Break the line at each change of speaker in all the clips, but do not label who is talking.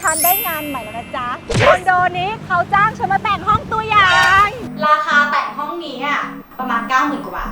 ฉันได้งานใหม่แล้วนะจ๊ะคอนโดนี้เขาจ้างฉันมาแต่งห้องตัวอย่างราคาแต่งห้องนี้อ่ะประมาณ 90,000 กว่าบาท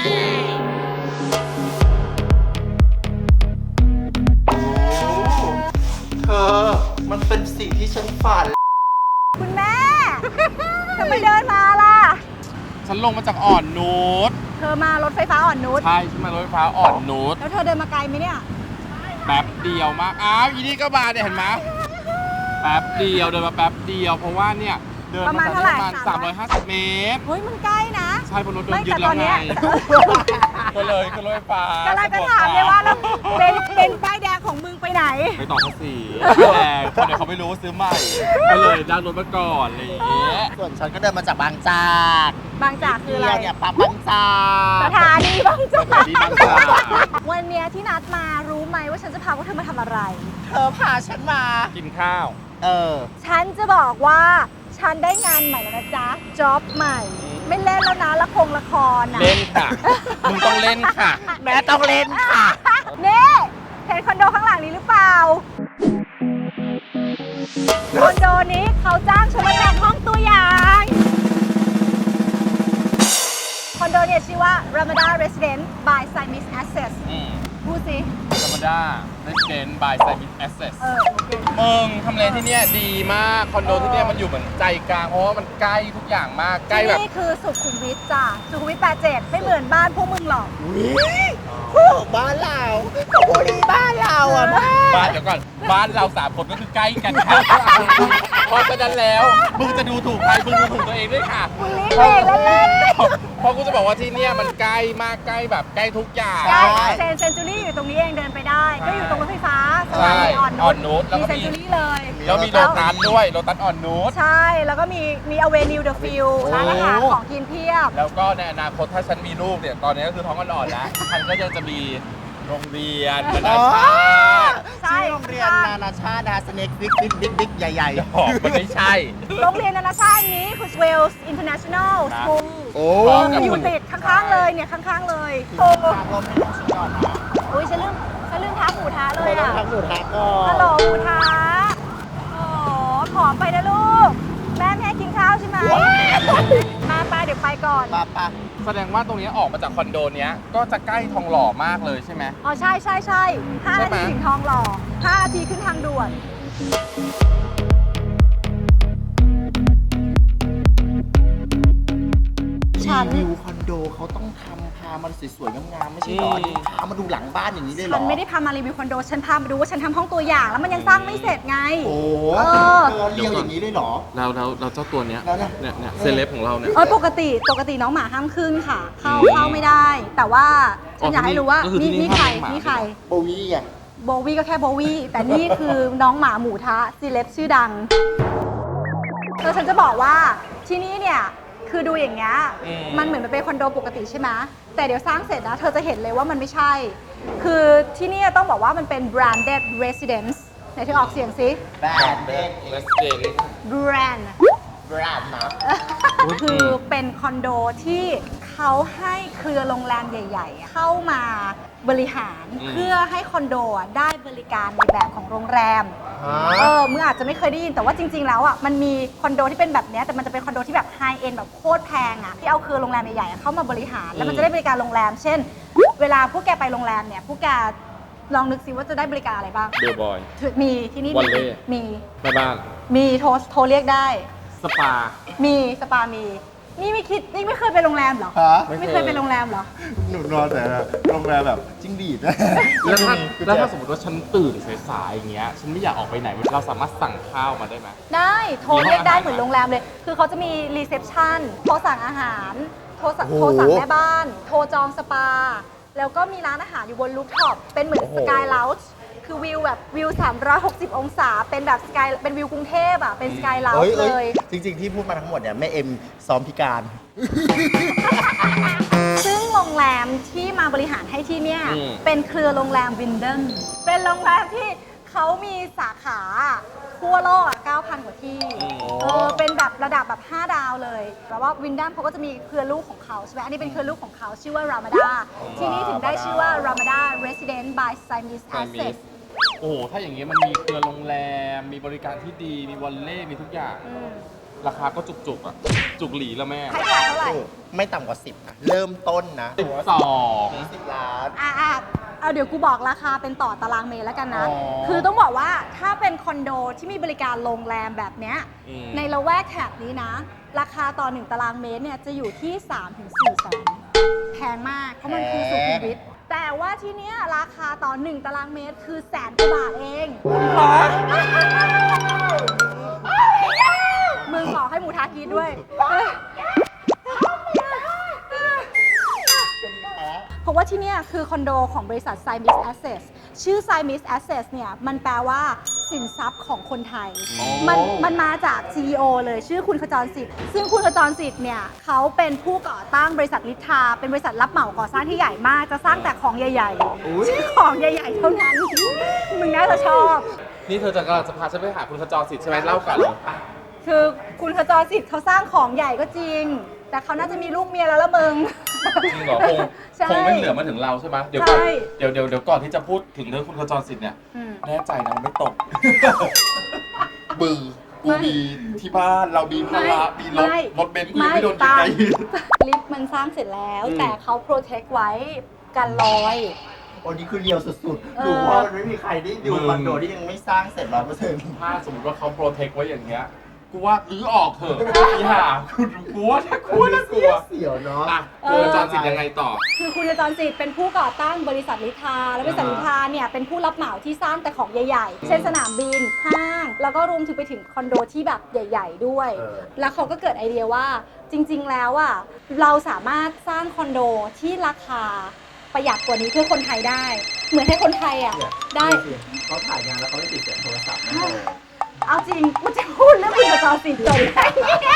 เธอมันเป็นสิ่งที่ฉันฝัน
คุณแม่ทำไมเดินมาล่ะ
ฉันลงมาจากอ่อนนุช
เธอมารถไฟฟ้าอ่อนนุช
ใช่ฉันมารถไฟฟ้าอ่อนนุช
แล้วเธอเดินมาไกลไหมเนี่ย
แป๊บเดียวมากอ้าวอีนี่ก็มาเนี่ยเห็นไหมแป๊บเดียวเดินมาแป๊บเดียวเพราะว่าเนี่ยเดิน
ประมา
มา
ณ
จาก
เท่าไหร่
ประมาณ350 เมตร
เฮ้ยมันใกล้นะ
ใช่บนรถโด
ไม่
นยึด
แต่ต
แล้
อ
วน ไง
เนี้ย
ก็เลยขึ้นรถไฟฟ้าก
ำลังจะถามเลยว่าแล้วเป็นป้ายแดงของมึงไปไหน
ไปต่อภาษีแต่คนเดี๋ยวเขาไม่รู้ว่าซื้อใหม่ก็เลยนั่งรถมาก่อนอะไรอย่างเงี้ย
ส่วนฉันก็เดินมาจากบางจาก
บางจากคืออะไร
เนี่ยปั๊บบางจาก
สถานีบางจาก
สถานีบางจาก
วันเนี้ยที่นัดมารู้ไหมว่าฉันจะพาพวกเธอมาทำอะไร
เธอพาฉันมา
กินข้าว
ฉันจะบอกว่าฉันได้งานใหม่แล้วนะจ๊ะจ็อบใหม่ ไม่เล่นแล้วนะละครนะ
เล่นค่ะมึงต้องเล่นค่ะ
แม่ต้องเล่นค่ะ
นี่เห็นคอนโดข้างหลังนี้หรือเปล่าคอนโดนี้เขาจ้างฉันมาแต่งห้องตัวอย่างคอนโดเนี่ยชื่อว่า Ramada Residence by Simis Access พูดสิ
ธรรมดา Resident by Simis Access
โอเค
มึงทำเลที่เนี่ยดีมากคอนโดที่เนี่ยมันอยู่เหมือนใจกลางเพราะว่ามันใกล้ทุกอย่างมากใกล้
ที่
แบบ
นี่คือสุขุมวิทจ้ะสุขุมวิท87ไม่เหมือนบ้านพวกมึงหรอก
บ้านเราสระบุรีบ้านเราอ่ะแม่
บ้านเดี๋ยวก่อนบ้านเรา3 คนก็คือใกล้กันค่ะเพราะฉะนั้นแล้วมึงจะดูถูกใครมึงดูถูกตัวเองด้วยค่ะ
มึงรีบเองเล่น
เพราะกูจะบอกว่าที่เนี่ยมันใกล้มากใกล้แบบใกล้ทุกอย่าง
ใช่เซนจูรี่อยู่ตรงนี้เองเดินไปได้ ก็อยู่ตรงรถไฟฟ้าสถานีอ่อน
อ่อนนุชแล้ว
มี
ก็
เซน
มี
จูรี่เลย
แล้วมีโลตัสด้วยโลตัสอ่อนนุช
ใช่ แล้วก็มีอเวนิวเดอะฟิลร้านอาหารของกินเพียบ
แล้วก็ในอนาคตถ้าฉันมีลูกเนี่ยตอนนี้ก็คือท้องอ่อนๆแล้วฉันก็จะมีโรงเรียนนานาชาติ
ใช่
ชื่อโรงเรียนนานาชาตินะสเน็กบิ๊กใหญ่
หอกมันไม่ใช่
โรงเรียนนานาชาตินี้คือ Wales International
นะ
School
โอ้
อยู่ติดข้างๆเลยเนี่ยข้างๆเลยโอ้
ทางลมให้น้องฉันก่อนนะ
ยฉันลืมท้าหมูท้าเลย
เราต้อง
อ่ะ
ทำหนูทักก่อ
ฮัล
น
โหลหมูท้าโอ้ขอไปนะลูก แม่ไม่ให้กินข้าวใช่ไหมมาไปเดี๋ยวไปก่อน
ปะ
แสดงว่าตรงนี้ออกมาจากคอนโดเนี้ยก็จะใกล้ทองหล่อมากเลยใช่ไหม
อ๋อใช่5
ใช่
นา
ไหม
ทีถึงทองหล่อ5 นาทีขึ้นทางด่วน ฉัน
รีวิวคอนโดเขาต้องทำพามันสวยๆงามๆไม่ใช่หรอนี่พามาดูหลังบ้านอย่างนี้ได้หรอ
ฉันไม่ได้พามารีวิวคอนโด ฉันพามาดูว่าฉันทำห้องตัวอย่าง แล้วมันยังสร้างไม่เสร็จไง
โอ้
เออ
เธอเรียวอย่างนี้เลยเหรอ
เราเจ้าตัวเนี้ย
แล้วเนี่ย
เนี่ยเซเลบของเราเนี่ย
ปกติน้องหมาห้ามขึ้นค่ะ เข้าไม่ได้ แต่ว่าฉันอยากให้รู้ว่า
ก็คือที่นี่
นี่ใคร
ห้ามเลี้ยงหมา
นี่ใคร
โบวี่อ่ะ
โบวี่ก็แค่โบวี่แต่นี่คือน้องหมาหมูทะซีเลบชื่อดังคือฉันจะบอกว่าที่นี่เนี่ยคือดูอย่างเงี้ยมันเหมือนมันเป็นคอนโดปกติใช่ไหมแต่เดี๋ยวสร้างเสร็จนะเธอจะเห็นเลยว่ามันไม่ใช่ คือที่นี่ต้องบอกว่ามันเป็น branded residence ไหนเธอออกเสียงสิ
แบรนด์เด็ก
เลสเดน
brand
แบรนด์นะ
คือเป็นคอนโดที่เขาให้เครือโรงแรมใหญ่ๆ เข้ามาบริหารเพื่อให้คอนโดได้บริการในแบบของโรงแรม มึงอาจจะไม่เคยได้ยินแต่ว่าจริง ๆ แล้วอ่ะมันมีคอนโดที่เป็นแบบเนี้ยแต่มันจะเป็นคอนโดที่แบบไฮเอ็นแบบโคตรแพงอ่ะที่เอาเครือโรงแรมใหญ่ๆเข้ามาบริหารแล้วมันจะได้บริการโรงแรม เช่น เวลาพวกแกไปโรงแรมเนี่ยพวกแกลองนึกซิว่าจะได้บริการอะไรบ้าง
เบลบอย
มีที่นี่
วันเล่
มี
แม่บ้าน
มีโทรเรียกได้
สปา
มีสปามีนี่ไม่เคยไปโรงแรมเหรอ
ฮะ
ไม่เคยไปโรงแรมเหรอ
หนูนอนแต่โรงแรมแบบจิ้งดีดนะ
แล้วถ้าสมมติว่าฉันตื่นสายๆอย่างเงี้ยฉันไม่อยากออกไปไหนเราสามารถสั่งข้าวมาได้ไหม
ได้โทรเรียกได้
มีห้องอาหาร
เหมือนโรงแรมเลย คือเขาจะมีรีเซพชันโทรสั่งอาหาร โทรสั่งแม่บ้าน โทรจองสปา แล้วก็มีร้านอาหารอยู่บนรูฟท็อปเป็นเหมือนสกายเลาจ์คือวิวแบบวิว 360 องศา เป็นแบบสกายเป็นวิวกรุงเทพอ่ะเป็นสกายเลาจ์เลย
จริงๆที่พูดมาทั้งหมดเนี่ยแม่เอ็มซ้อมพิการ
ซึ่งโรงแรมที่มาบริหารให้ที่เนี่ยเป็นเครือโรงแรมวินเดนเป็นโรงแรมที่เขามีสาขาทั่วโลก 9,000 กว่าที่เป็นแบบระดับแบบ 5 ดาวเลยแล้วว่าวินดัมเขาก็จะมีเครือลูกของเขาใช่ไหมอันนี้เป็นเครือลูกของเขาชื่อว่า Ramada ที่นี่ถึงได้ชื่อว่า Ramada Residence by Simis Access
โอ้โหถ้าอย่างเงี้ยมันมีเครือโรงแรมมีบริการที่ดีมีวอลเล่มีทุกอย่าง ราคาก็จุกๆอ่ะจุกหลีแล้วแม่
ให้ขายเท่าไหร่
ไม่ต่ำกว่า 10นะเริ่มต้นนะ
12
10 ล้าน
เอาเดี๋ยวกูบอกราคาเป็นต่อตารางเมตรแล้วกันนะ
อ๋อ
คือต้องบอกว่าถ้าเป็นคอนโดที่มีบริการโรงแรมแบบเนี้ย ในละแวกแถบนี้นะ ราคาต่อ 1 ตารางเมตรเนี่ยจะอยู่ที่ 3-4 แสนแพงมาก เพราะมันคือสุขุมวิทแต่ว่าที่เนี้ยราคาต่อ 1 ตารางเมตรคือแสนกว่าบาทเองมึงขอให้หมูทากินด้วย เพราะว่าที่เนี่ยคือคอนโดของบริษัท Simis Assets ชื่อ Simis Assets เนี่ยมันแปลว่าสินทรัพย์ของคนไทย มันมาจาก CEO เลยชื่อคุณขจรสิทธิ์ซึ่งคุณขจรสิทธิ์เนี่ยเขาเป็นผู้ก่อตั้งบริษัทลิทาเป็นบริษัทรับเหมาก่อสร้างที่ใหญ่มากจะสร้างแต่ของใหญ่ๆชื่อของใหญ่ๆเท่านั้น มึงน่าจะชอบ
นี่เธอจะกำลังจะพาฉันไปหาคุณขจรสิทธิ์ใช่ไหมเล่ากัน
คือคุณขจรสิทธิ์เขาสร้างของใหญ่ก็จริง แต่เขาน่าจะมีลูกเมียแล้วละมึง
จริงเหรอ
ใช่
คงไม่เหลือมาถึงเราใช่ไหมเดี๋ยวก่อน
ใช่
เดี๋ยวก่อนที่จะพูดถึงเรื่องคุณขจรสิทธิ์เนี่ย
อืม
แน่ใจนะมันไม่ตก บึงกูมีที่บ้านเรามีภาระมีรถเบนซ์กูยังไม่โดนยิงไง
ลิฟต์มันสร้างเสร็จแล้ว
อืม
แต่เขาโปรเทคไว้กันรอย
โอ้นี่คือเรียวสุด
เออ
ๆดูว่ามันไม่มีใครได้ดูคอนโดที่ยังไม่สร้างเสร็จ100%
ถ้าสมมติว่าเขาโปรเทคไว้อย่างเงี้ย กูว่าออกเถอะอีห่ากูว่าถ้ากลัวน่ากลัว
เสียวเนาะ
อ่ะคุณขจรสิทธิ์ยังไงต่อ
คือคุณขจรสิทธิ์เป็นผู้ก่อตั้งบริษัทลิทา และบริษัทลิทาเนี่ยเป็นผู้รับเหมาที่สร้างแต่ของใหญ่ๆ เช่นสนามบิน ห้าง แล้วก็รวมถึงไปถึงคอนโดที่แบบใหญ่ ๆ ด้วย แล้วเขาก็เกิดไอเดียว่าจริง ๆ แล้วอ่ะเราสามารถสร้างคอนโดที่ราคาประหยัดกว่านี้เพื่อคนไทยได้ เหมือนให้คนไทยอ่ะได้
เขาถ่ายงานแล้วเขาไม่ติดเสียงโทรศัพท์นะ
เอาจริงกูจะพูดเรื่องคุณขจรสิทธิ์จบได้เนี่ย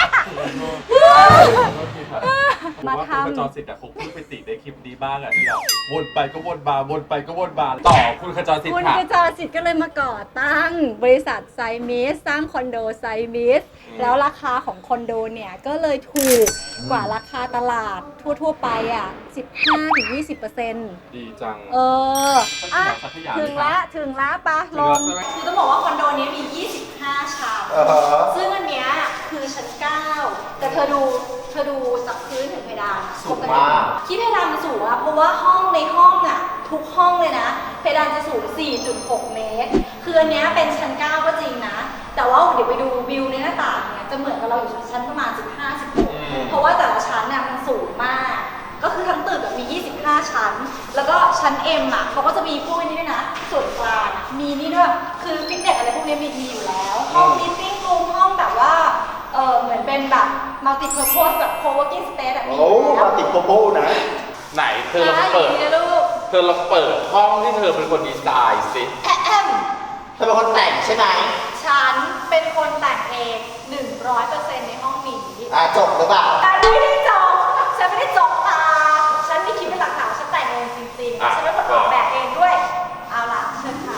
มาทำ
คุณขจรสิทธิ์แต่คงพูดไปติในคลิปนี้บ้างอ่ะที่เราวนไปก็วนมาวนไปก็วนมาต่อคุณขจรสิท
คุณ
ธิ์ค่ะ
ขจรสิทธิ์ก็เลยมาก่อตั้งบริษัทไซมิสสร้างคอนโดไซมิสแล้วราคาของคอนโดเนี่ยก็เลยถูกกว่าราคาตลาดทั่วๆไปอ่ะ 15-20%
ดีจัง
อ่ะ
สักอย่าง
ถึงแล้วปะลง
ใช่ไหม
คือต้องบอกว่าคอนโดนี้มี 25 ชั้น ซึ่งอันเนี้ยคือชั้น 9 แต่เธอดูจากพื้นถึงเพดาน
สูงมาก
ที่เพดานมันสูงอะเพราะว่าห้องในห้องอะทุกห้องเลยนะ เพดานจะสูง 4.6 เมตร คืออันเนี้ยเป็นชั้น 9 ก็จริงนะ แต่ว่าเดี๋ยวไปดูวิวในหน้าต่างเนี่ยจะเหมือนกับเราอยู่ชั้นประมาณ 15-16 เพราะว่าแต่ละชั้นเนี่ยมันสูงมาก ก็คือทั้งตึกอะมี 25 ชั้น แล้วก็ชั้น M อ่ะเขาก็จะมีพวกนี้ด้วยนะ ส่วนกลางอะมีนี่ด้วย คือฟิตเนสอะไรพวกนี้มีอยู่แล้ว ห้องมีตติ้งรูมห้องแบบว่า เหมือนเป็นแบบ multi purpose แบบ co-working space แบบมี
โอ้
อยู่แล้ว
มาติดโกโก้นะ
ไหนเธอลองเปิด
นะลูก
เธอลองเปิดห้องที่เธอเป็นคนดีไซน์สิ
แอม
เธอเป็นคนแต่งใช่ไหม
ฉันเป็นคนแต่งเอง 100% ในห้องนี้
จบหรือเปล่า
แต่ไม่ได้จบฉันไม่ได้จบตาฉันมีคลิปเป็นหลักฐานฉันแต่งเองจริง
อ่ะ
ๆ ฉันเป็นคนออกแบบเองด้วย เอาล่ะเชิญค่ะ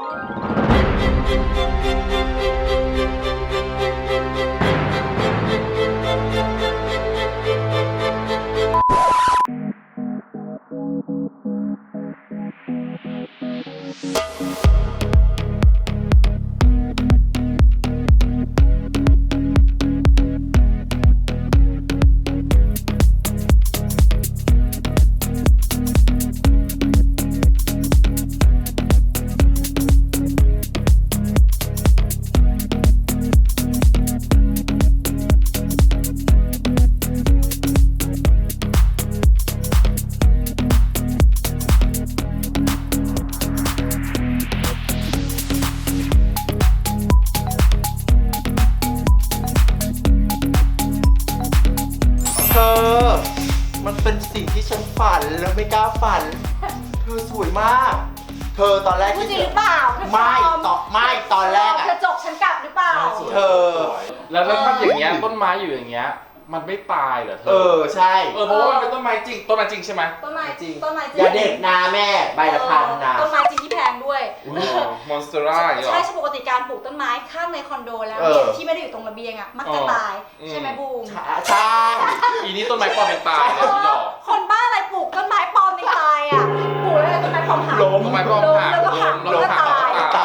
เธอ มันเป็นสิ่งที่ฉันฝันแล้วไม่กล้าฝัน เธอสวยมาก เธอตอนแรก
พูด
ที่
จริงหรือเปล่าเธอ
ไม่ตอนแรกอะ
เธอจบฉันกลับหรือเปล่า
เธอ
แล้วถ้าอย่างเงี้ยต้นไม้อยู่อย่างเงี้ย มันไม่ตายเหรอเธ
ใช่
เพราะว่ามันเป็นต้นไม้จริงใช่ไหม
ต้นไม้จริงต้นไม้จริง
อย่าเด็ดนาแม่ใบละพันนะ
ต้นไม้จริงที่แพงด้วย
มอนสเตอร่าอย่างเงี้ย
ใช่ปกติการปลูกต้นไม้ข้างในคอนโดแล้ว
เอ
เนี่ย
อ
ที่ไม่ได้อยู่ตรงระเบียงอ่ะมักจะตาย ใช่ไหมบูม
ใช่
อีนี่ต้นไม้ปลอมเป็นตายเนี่ยพี่ดอก
คนบ้าอะไรปลูกต้นไม้ปลอมในตายอ่ะปลูกแล้วต้นไม้ปลอมหัก
ล้ม
ต้นไม้ปลอมหัก
แล้วก็หัก
ล้
แล้ว
ม
ก็
หัก
ตาย
ต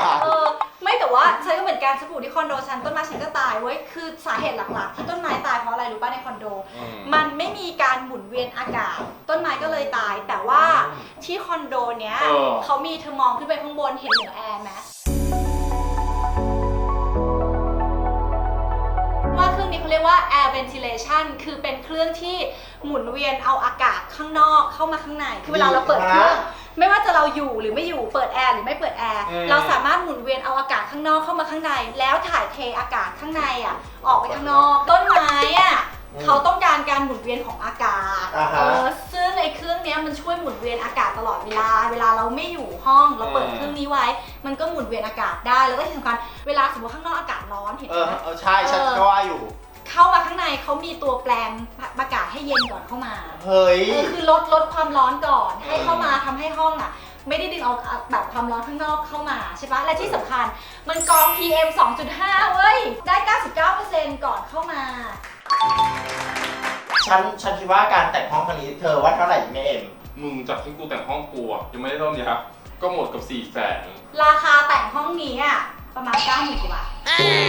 การณ์สบู่ที่คอนโดฉันต้นไม้ฉันก็ตายเว้ยคือสาเหตุหลักๆที่ต้นไม้ตายเพราะอะไรรู้ป่ะในคอนโด มันไม่มีการหมุนเวียนอากาศต้นไม้ก็เลยตายแต่ว่าที่คอนโดเนี้ยเขามีเธอมองขึ้นไปข้างบนเห็นเหนือแอร์ไหมว่าเครื่องนี้เขาเรียกว่า air ventilation คือเป็นเครื่องที่หมุนเวียนเอาอากาศข้างนอกเข้ามาข้างในคือเวลาเราเปิดเครื่องไม่ว่าจะเราอยู่หรือไม่อยู่เปิดแอร์หรือไม่เปิดแอร์เราสามารถหมุนเวียนเอาอากาศข้างนอกเข้ามาข้างในแล้วถ่ายเทอากาศข้างในอ่ะออกไปข้างนอกต้นไม้อ่ะเขาต้องการการหมุนเวียนของอากาศซึ่งไอ้เครื่องนี้มันช่วยหมุนเวียนอากาศตลอดเวลาเราไม่อยู่ห้องเราเปิดเครื่องนี้ไว้มันก็หมุนเวียนอากาศได้แล้วก็ที่สำคัญเวลาสมมติข้างนอกอากาศร้อนเห็นไหม
ใช่ฉันก็ว่าอยู่
เข้ามาข้างในเขามีตัวแปลงอากาศให้เย็นก่อนเข้ามา
เฮ้ย
คือลดความร้อนก่อนให้เข้ามาทำให้ห้องอ่ะไม่ได้ดึงเอาแบบความร้อนข้างนอกเข้ามาใช่ปะและที่สำคัญมันกรอง PM 2.5 เว้ยได้ 99% ก่อนเข้ามา
ฉันคิดว่าการแต่งห้องครั้งนี้เธอว่าเท่าไหร่แม่เอ็ม
มึงจากที่กูแต่งห้องกูอ่ะยังไม่ได้เท่านี้ครับก็หมดกับ400,000
ราคาแต่งห้องนี้อ่ะประมาณ 90,000 กว่าบาท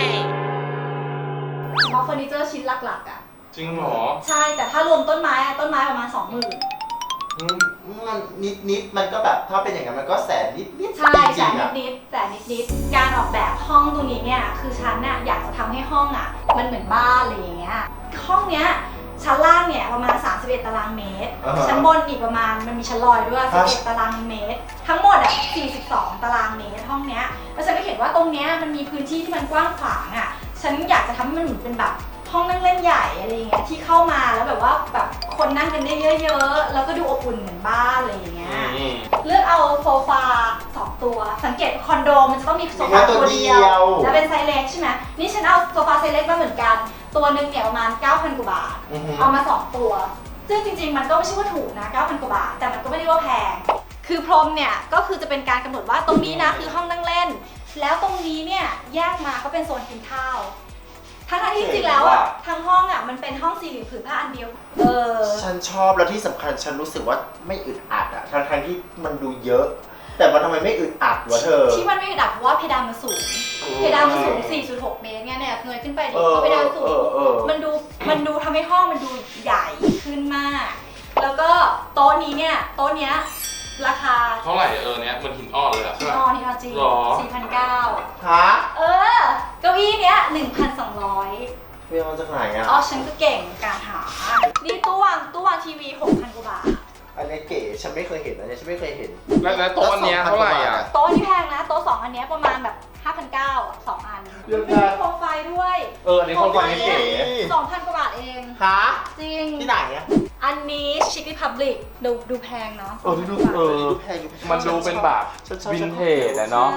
เฉพาะเฟอร์นิเจอร์ชิ้นหลักๆอ่ะ
จริงเหรอ
ใช่แต่ถ้ารวมต้นไม้ประมาณ 20,000
มันนิดมันก็แบบถ้าเป็นอย่างนั้นมันก็แสนนิด
ใช่แสนนิดการออกแบบห้องตรงนี้เนี่ยคือฉันน่ะอยากจะทำให้ห้องอ่ะมันเหมือนบ้านอะไรอย่างเงี้ยห้องเนี้ยชั้นล่างเนี่ยประมาณ31ตารางเมตรชั้นบนอีกประมาณมันมีชั้นลอยด้วย11ตารางเมตรทั้งหมดอ่ะ42ตารางเมตรห้องเนี้ยแล้วฉันก็เห็นว่าตรงเนี้ยมันมีพื้นที่ที่มันกว้างขวางอ่ะฉันอยากจะทำให้มันเหมือนเป็นแบบห้องนั่งเล่นใหญ่อะไรอย่างเงี้ยที่เข้ามาแล้วแบบว่าแบบคนนั่งกันได้เยอะๆแล้วก็ดูอบอุ่นเหมือนบ้านอะไรอย่างเงี้ยเลือกเอาโซฟา2ตัวสังเกตคอนโดมันจะต้องมีโซฟาตัวเดียวแล้วเป็นไซส์เล็กใช่ไหมนี่ฉันเอาโซฟาไซส์เล็กมาเหมือนกันตัวนึงเนี่ยประมาณ 9,000 กว่าบาทเอามา2ตัวซึ่งจริงๆมันก็ไม่ใช่ว่าถูกนะ 9,000 กว่าบาทแต่มันก็ไม่ได้ว่าแพงคือพรมเนี่ยก็คือจะเป็นการกำหนดว่าตรงนี้นะคือห้องนั่งเล่นแล้วตรงนี้เนี่ยแยกมาก็เป็นโซนกินข้าวทั้งที่จริงแล้วอ่ะทั้งห้องอ่ะมันเป็นห้องสี่เหลี่ยมผืนผ้าอันเดียว
ฉันชอบแล้วที่สำคัญฉันรู้สึกว่าไม่อึดอัดอ่ะทั้งที่มันดูเยอะแต่มันทำไมไม่อึดอัดวะเธอ
ที่มันไม่อึดอัดเพราะว่าเพดานมันสูงเพดานมันสูง 4.6 เมตรเนี่ยเงยขึ้นไปดิเพราะเพดานสูงมันดูทำให้ห้องมันดูใหญ่ขึ้นมากแล้วก็โต๊ะนี้เนี่ยโต๊ะเนี้ยราคา
เท่าไหร่เนี้ยมันหินอ่อนเลยอะ
หินอ่อนจริง 4,900
ฮะ
เก้าอี้เนี้ย 1,200
เรียกมาจากไหนอ่ะ
ฉันก็เก่งการหานี่ตู้วางทีวี 6,000 กว่าบาท
อันนี้เก๋ฉันไม่เคยเห็นอันนี้ฉันไม่เคยเห็น
แล้วโต๊ะอันเนี้ยเท่าไหร่อ่ะ
โต๊ะที่แพงนะโต๊ะ2อันเนี้ยประมาณแบบ 5,900 อ่ะ2อันมีโคมไฟด้วย
อันนี้โคมไฟนี่เก๋
2,000 กว่าบาทเอง
ฮะ
จริง
ที่ไหนอ่ะ
อันนี้ชิคกี้พาบลิกดูแพงเนาะ
ดูแพง
มันดูเป็นแบบวินเทจอะเนาะ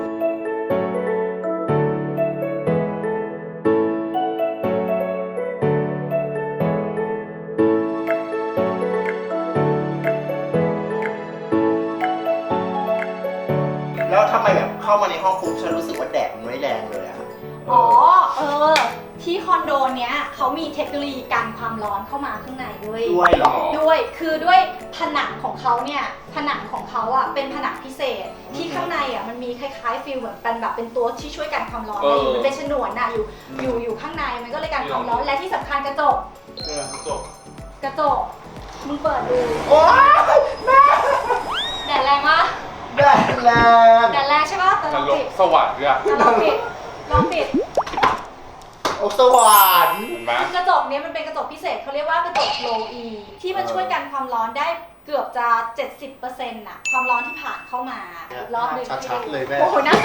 แล้วทำไมแบบเข้ามาในห้องปุ๊บฉันรู้สึกว่าแดดมันไม่แรงเลยอะ
ที่คอนโดเนี้ยเขามีเทคโนโลยีกันความร้อนเข้ามาข้างในด้วย
หรอ
ด้วยผนังของเขาเนี่ยผนังของเขาอ่ะเป็นผนังพิเศษที่ข้างในอ่ะมันมีคล้ายๆฟิลเหมือนเป็นแบบเป็นตัวที่ช่วยกันความร้อนมันเป็นฉนวนน่ะอยู่ข้างในมันก็เลยกันความร้อนและที่สำคัญกระจกมึงเปิดดู
โอ๊ย
แดดแรงมาก
แดด
แรงใช่ปะแต่ลองปิด
สว่างเลยอะ
ลองปิด
โอ้สว่าง
กระจกนี้มันเป็นกระจกพิเศษเขาเรียกว่ากระจก low E ที่มันช่วยกันความร้อนได้เกือบจะ 70% น่ะความร้อนที่ผ่านเข้ามาอีกรอบนึง
ชัดๆเลยแม่
โอ้โหนะ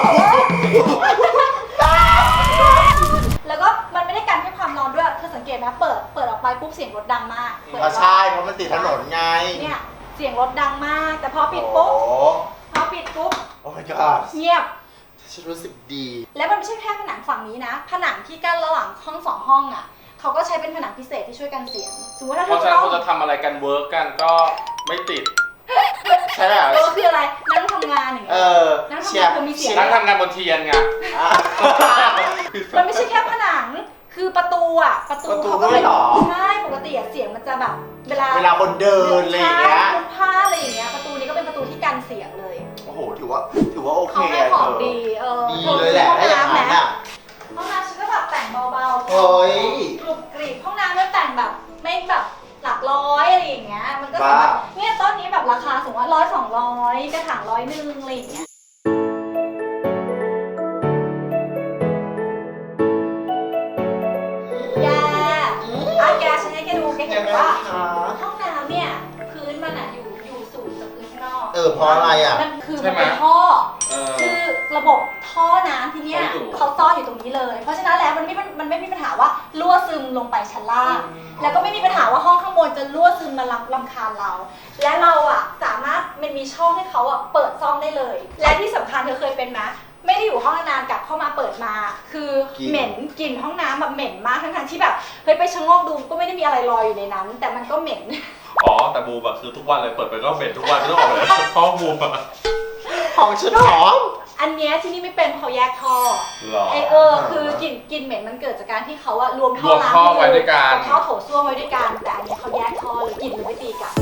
แล้วก็มันไม่ได้กันแค่ความร้อนด้วยเธอสังเกตไหมเปิดออกไปปุ๊บเสียงรถดังมาก
ใช่เพราะมันติดถนนไง
เนี่ยเสียงรถดังมากแต่พอปิดปุ๊บ
โอ้ my god
เงียบ
ฉันรู้สึกดี
แล้วมันไม่ใช่แค่ผนังฝั่งนี้นะผนังที่กั้นระหว่างห้อง2ห้องอ่ะเขาก็ใช้เป็นผนังพิเศษที่ช่วยกันเสียงสมมติถ้า
เขาจะทำอะไรกันเวิร์กกันก็ไม่ติด
ใช่ไหม
คืออะไรนั่งทำงานอย่างเงี้ยนั่งทำงานมีเสียง
นั่งทำงานบนเทียนไง
มันไม่ใช่แค่ผนังคือประตูเขาก็
ไม่หรอ
ใช่ปกติเสียงมันจะแบบเวลา
คนเดินอะไรอย่างเงี้ย
ผ้าอะไรอย่างเงี้ยประตูนี้ก็เป็นประตูที่กันเสียงเลย
โอ้โหถือว่าโอเค
เขาให้ของดี
ดีเลยแหละถ้าอย่างนั้นเพราะอะไรอ่ะ
มันคือมันเป็นท่อ คือระบบท่อน้ำที่เนี้ย
เขาอยู่
เขาซ่อนอยู่ตรงนี้เลย เพราะฉะนั้นแล้วมันไม่มีปัญหาว่ารั่วซึมลงไปชั้นล่าง แล้วก็ไม่มีปัญหาว่าห้องข้างบนจะรั่วซึมมารำคาญเรา และเราอ่ะสามารถมันมีช่องให้เขาอ่ะเปิดซ่อมได้เลย และที่สำคัญเธอเคยเป็นไหมไม่ได้อยู่ห้องนานๆกลับเข้ามาเปิดมา คือก
ลิ่น
เหม็นกลิ่นห้องน้ำแบบเหม็นมากทั้งๆที่แบบเฮ้ยไปชะโงกดูก็ไม่ได้มีอะไรลอยอยู่ในนั้น แต่มันก็เหม็น
อ๋อแต่บูมอะคือทุกวันเลยเปิดไปก็เหม็นทุกวันไม่ต้องออกเลยห้องบูมอะ
ของฉันหอม
อันเนี้ยที่นี่ไม่เป็นเขาแยกท่อ
หรอ
คือกลิ่นเหม็นมันเกิดจากการที่เขาอะรวมท่อ
รวมท่อไว้ด้วยกัน
กับท่อโถส้วมไว้ด้วยกันแต่อันเนี้ยเขาแยกท่อเลยกลิ่นเลยไม่ตีกัน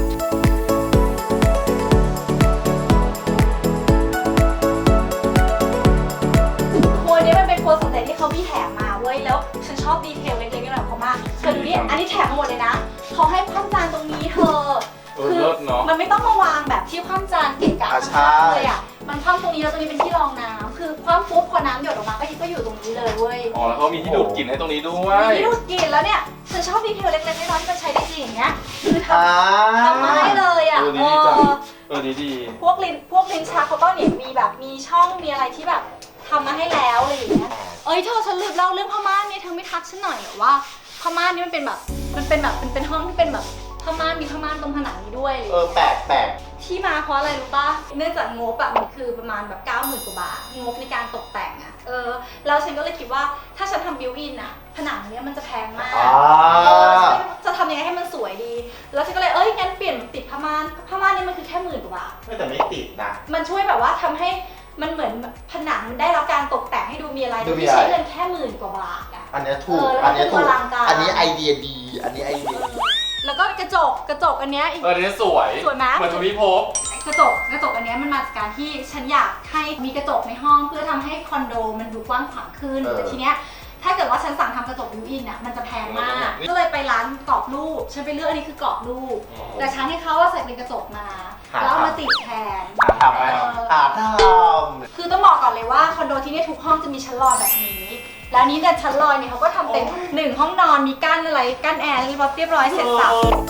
ครัวเนี้ยมันเป็นครัวสำเร็จที่เขามีแถมมาเว้ยแล้วฉันชอบดีเทลเล็กๆน้อยๆของเขามากเธอดูนี่อันนี้แถมมาหมดเลยนะเขาให้คว่ำจานตรงนี้เธอ
เลิศเนาะ
มันไม่ต้องมาวางแบบที่คว่ำจานเกะกะ
อ่ะ
ข้างๆ
ใช่
เลยอ่ะมันคว่ำตรงนี้แล้วตรงนี้เป็นที่รองน้ำคือคว่ำปุ๊บพอน้ำหยดออกมาก็อยู่ตรงนี้เลยเว้ย
อ๋อแล้วเขามีที่ดูดกลิ่นให้ตรงนี้ด้วย
มีที่ดูดกลิ่นแล้วเนี่ยฉันชอบดีเทลเล็กๆน้อยๆที่มันใช้ได้จริงอย่างเงี้ยคือท
อ่า
ำมาให้เลยอ่ะ
ดีจังดีดี
พวกลิ้นชักเขาก็เนี่ยมีแบบมีช่องมีอะไรที่แบบทำมาให้แล้วอะไรอย่างเงี้ยเอ้ยเธอฉันลืมเล่าเรื่องผ้าม่านเนี่ยเธอไม่ทักฉันหน่อยเหรอว่าผ้าม่านนี่มันเป็นห้องที่เป็นแบบผ้าม่านมีผ้าม่านตรงผนังนี้ด้วยอะไรอย่างเงี้ย
แปลก
ที่มาเพราะอะไรรู้ป่ะ เนื่องจากงบอะมันคือประมาณแบบ 90,000 กว่าบาท งบในการตกแต่งอะแล้วฉันก็เลยคิดว่าถ้าฉันทำบิวอินอะผนังเนี้ยมันจะแพงมาก จะทำยังไงให้มันสวยดี แล้วฉันก็เลยงั้นเปลี่ยนติดผ้าม่านนี่มันคือแค่10,000 กว่าบาท
ไม่แต่ไม่ติดนะ
มันช่วยแบบว่าทำให้มันเหมือนผนังมันได้รับการตกแต่งให้ดูมีอะไร
ดูมี
ที่
อะไร
ใช้เงินแค่10,000 กว่าบาทอะ
อันเนี้ยถูก
แล้ว
อันเนี้ยถูก
มันดูอลังการ
อันนี้ไอเดียดี อันนี้ไอเดีย
แล้วก็กระจกอันเนี้ยอีก
อันนี้สวย
สวยไหม
เหมือนทวีภพ
กระจกอันเนี้ยมันมาจากการที่ฉันอยากให้มีกระจกในห้องเพื่อทำให้คอนโดมันดูกว้างขวางขึ้นแต่ทีเนี้ยถ้าเกิดว่าฉันสั่งทำกระจกบิวอินอ่ะมันจะแพงมากก็เลยไปร้านกรอบรูปฉันไปเลือกอันนี้คือกรอบรูปแต่ฉันให้เขาว่าใส่เป็นกระจกมาแล้วเอามาติดแทน
ทำไปทำ
คือต้องบอกก่อนเลยว่าคอนโดที่เนี่ยทุกห้องจะมีชั้นลอยแบบนี้แล้วนี้เนี่ยชั้นลอยเนี่ยเขาก็ทำเป็น1ห้องนอนมีกั้นอะไรกั้นแอร์เรียบร้อยเสร็จสับ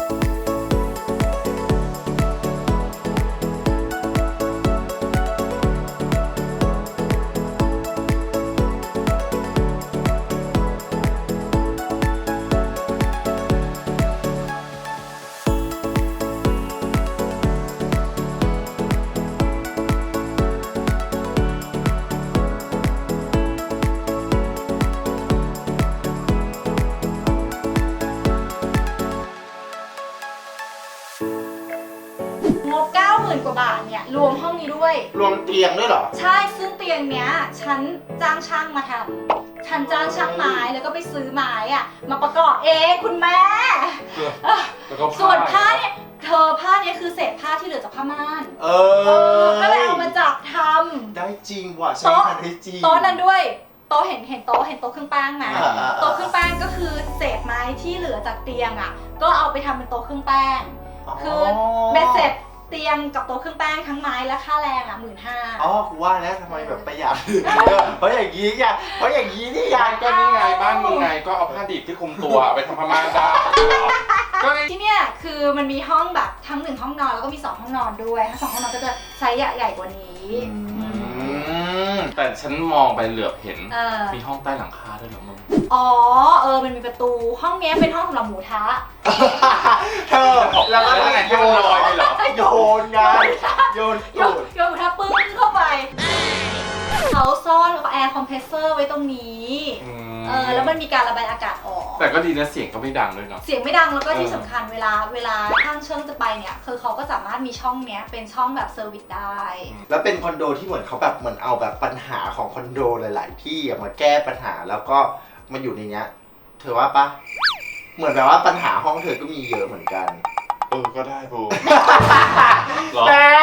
งบ 90,000 กว่าบาทเนี่ยรวมห้องนี้ด้วย
รวมเตียงด้วยเหรอ
ใช่ซึ่งเตียงเนี้ยฉันจ้างช่างมาทำฉันจ้างช่างไม้แล้วก็ไปซื้อไม้อะมาประกอบเองคุณแม่
แล้วก็
ส่วนผ้าเนี่ยผ้าเนี้ยคือเศษผ้าที่เหลือจากผ้าม่าน ก็เลยเอามาจับท
ได้จริงว่ะ
ำ
ใช้งานได้จริง
โต๊ะนั้นด้วยโต๊ะเห็นโต๊ะเครื่องแป้งไหม
อ่าๆๆ
โต๊ะเครื่องแป้งก็คือเศษไม้ที่เหลือจากเตียงอะก็เอาไปทำเป็นโต๊ะเครื่องแป้ง คือเบ็ดเสร็จเตียงกับโต๊ะเครื่องแป้งทั้งไม้และค่าแรงอ่ะ15,000
อ๋อกูว่านะทำไมแบบประหยัด เพราะอย่างนี้ไงเพราะอย่างนี้นี่ไง
ก็นี่ไงบ้านมึงไงก็เอาผ้าดิบที่คลุมตัวเอาไปทำผ้าม่านได้ก็นี่
ที่เนี่ยคือมันมีห้องแบบทั้ง1ห้องนอนแล้วก็มี2ห้องนอนด้วยทั้ง2ห้องนอนก็จะไซส์ใหญ่กว่านี้
แต่ฉันมองไปเหลือบเห็น
มี
มีห้องใต้หลังคาด้วยเหรอมึง
อ๋อมันมีประตูห้องเนี้ยเป็นห้องสำหรับหมูทะ
เธอแล้วก็
แล้วไงให้มันลอยไปเหรอ
โยนไงโยน
โยนหมูทะปึ้งเข้าไปเขาซ่อนแอร์คอมเพรสเซอร์ไว้ตรงนี้แล้วมันมีการระบายอากาศออก
แต่ก็ดีนะเสียงก็ไม่ดังด้วยเนาะ
เสียงไม่ดังแล้วก็ที่สำคัญเวลาช่างเชิงจะไปเนี่ยคือเขาก็สามารถมีช่องเนี้ยเป็นช่องแบบเซอร์วิสได้
แล้วเป็นคอนโดที่เหมือนเขาแบบเหมือนเอาแบบปัญหาของคอนโดหลาย ๆ ที่มาแก้ปัญหาแล้วก็มาอยู่ในเนี้ยเธอว่าปะเหมือนแบบว่าปัญหาห้องเธอก็มีเยอะเหมือนกัน
ก็ได้บูหรอ
แม่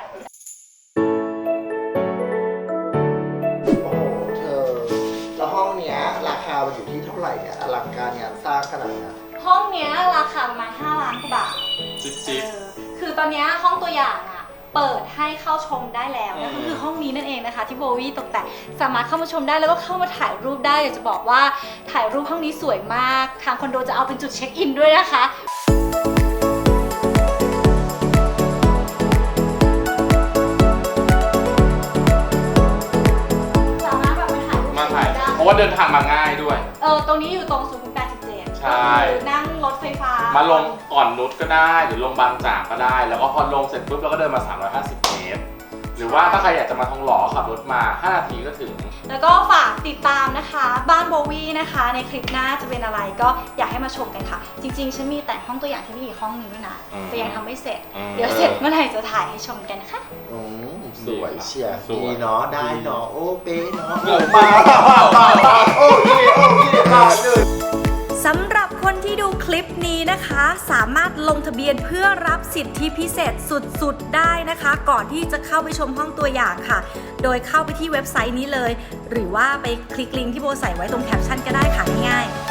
โอ้โหเธอแล้วห้องเนี้ยราคามันอยู่ที่เท่าไหร่เนี่ยอลังการงานสร้างขนาดนั้น
ห้องเนี้ยราคาประมาณ5 ล้านกว่าบาท
จิ๊บ
คือตอนเนี้ยห้องตัวอย่างอะเปิดให้เข้าชมได้แล้วนะก็คือห้องนี้นั่นเองนะคะที่โบวี่ตกแต่งสามารถเข้ามาชมได้แล้วก็เข้ามาถ่ายรูปได้อยากจะบอกว่าถ่ายรูปห้องนี้สวยมากทางคอนโดจะเอาเป็นจุดเช็คอินด้วยนะคะ
เพราะว่าเดินทางมาง่ายด้วย
ตรงนี้อยู่ตรงสุขุมวิท87
ใช่
ก็คือนั่งรถไฟฟ้า
มาลงก่อนนุชก็ได้หรือลงบางจากก็ได้ แล้วก็พอลงเสร็จปุ๊บเราก็เดินมา350 เมตร หรือว่าถ้าใครอยากจะมาทองหล่อขับรถมา5 นาทีก็ถึง
แล้วก็ฝากติดตามนะคะบ้านโบวี่นะคะในคลิปหน้าจะเป็นอะไรก็อยากให้มาชมกันค่ะ จริงๆฉันมีแต่ห้องตัวอย่างที่นี่อีกห้องหนึงด้วยนะแต่ยังทำไม่เสร็จ เดี๋ยวเสร็จเมื่อไหร่จะถ่ายให้ชมกันนะคะ
สวยเชียร์
สวย
ดีเนาะได้เนาะโอ้เป๊ะเนาะมาโอเคมาเลย
สำหรับคนที่ดูคลิปนี้นะคะ สามารถลงทะเบียนเพื่อรับสิทธิพิเศษสุดๆได้นะคะ ก่อนที่จะเข้าไปชมห้องตัวอย่างค่ะ โดยเข้าไปที่เว็บไซต์นี้เลย หรือว่าไปคลิกลิงก์ที่โบใส่ไว้ตรงแคปชั่นก็ได้ค่ะง่ายๆ